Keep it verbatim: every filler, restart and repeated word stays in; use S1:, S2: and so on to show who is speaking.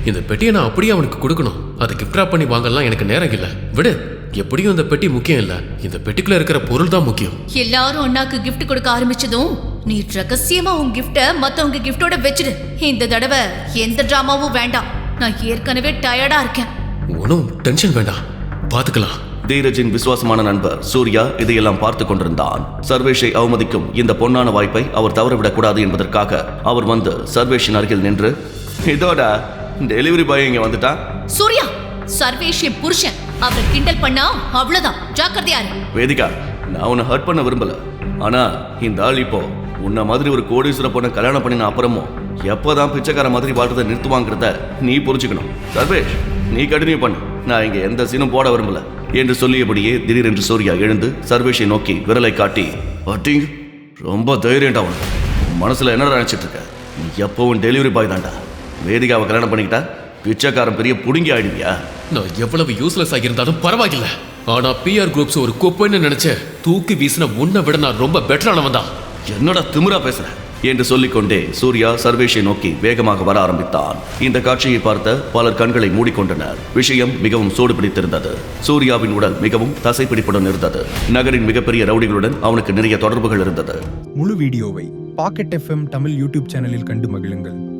S1: இந்த பெட்டியை நான் அப்படியே அவனுக்கு கொடுக்கணும். அதை கிஃப்ட் ராப் பண்ணி வாங்கலாம் எனக்கு நேரம் இல்லை. விடு, எப்படியும் இந்த பெட்டி முக்கியம் இல்ல, இந்த பெட்டிக்குள்ள இருக்கிற பொருள் தான் முக்கியம்.
S2: எல்லாரும் அண்ணாக்கு கிஃப்ட் கொடுக்க ஆரம்பிச்சதும் நீ ரகசியமா உன் கிஃப்ட மத்தவங்க கிஃப்டோட வச்சிடு. இந்த தடவை எந்த டிராமாவும் வேண்டாம். நான் ஏற்கனவே டயர்டா இருக்கேன்.
S1: ஒன்னும் டென்ஷன் வேண்டாம், பாத்துக்கலாம்.
S3: தீரஜின் விசுவாசமான நண்பர் சூர்யா இதையெல்லாம் பார்த்து கொண்டிருந்தான். சர்வேஷை அவமதிக்கும் இந்த பொன்னான வாய்ப்பை அவர் தவறவிடக் கூடாது என்பதற்காக அவர் வந்து சர்வேஷின் அருகில் நின்று, இதோட டெலிவரி பாய் இங்க வந்துட்டான்.
S2: சூர்யா, சர்வேஷ் என் புருஷன். அவரை கிண்டல் பண்ணா அவ்வளவுதான், ஜாக்கிரதையா இரு.
S3: வேதிகா, நான் உன்னை ஹர்ட் பண்ண விரும்பல. ஆனா இந்த ஆள் இப்போ உன்ன மாதிரி ஒரு கோடீஸ்வர பொண்ணை கல்யாணம் பண்ணின அப்புறமும் எப்போதான் பிச்சைக்கார மாதிரி வாழ்றதை நிறுத்துவாங்கிறத நீ புரிஞ்சுக்கணும். சர்வேஷ், நீ கண்டினியூ பண்ணு, நான் இங்க எந்த சீனும் போட விரும்பல என்று சொல்லியபடியே திடீரென்று சூர்யா எழுந்து சர்வேஷை நோக்கி விரலை காட்டி, அட்டிங், ரொம்ப தைரியண்டா உனக்கு. மனசுல என்ன நினைச்சிட்டு இருக்க? நீ எப்பவும் டெலிவரி பாய் தான்டா. வேதிகாவை கல்யாணம் பண்ணிக்கிட்டா பிச்சைக்காரன் பெரிய புடுங்கி ஆயிடுவியா?
S1: நான் எவ்வளவு யூஸ்லெஸ் ஆகியிருந்தாலும் பரவாயில்ல, ஆனா பிஆர் குரூப்ஸ் ஒரு குப்பைன்னு நினைச்ச தூக்கி வீசின உன்னை விட நான் ரொம்ப பெட்டரானவன் தான்.
S3: என்னடா திமிரா பேசுற என்று சொல்லிக்கொண்டே சூர்யா சர்வேஷை நோக்கி வேகமாக வர ஆரம்பித்தான். இந்த காட்சியை பார்த்த பலர் கண்களை மூடிக்கொண்டனர். விஷயம் மிகவும் சூடு பிடித்திருந்தது. சூர்யாவின் உடல் மிகவும் தசைப்பிடிப்புடன் இருந்தது. நகரின் மிகப்பெரிய ரவுடிகளுடன் அவனுக்கு நிறைய தொடர்புகள் இருந்தது.
S4: முழு வீடியோவை பாக்கெட் எஃப்எம் தமிழ் யூடியூப் சேனலில் கண்டு மகிழுங்கள்.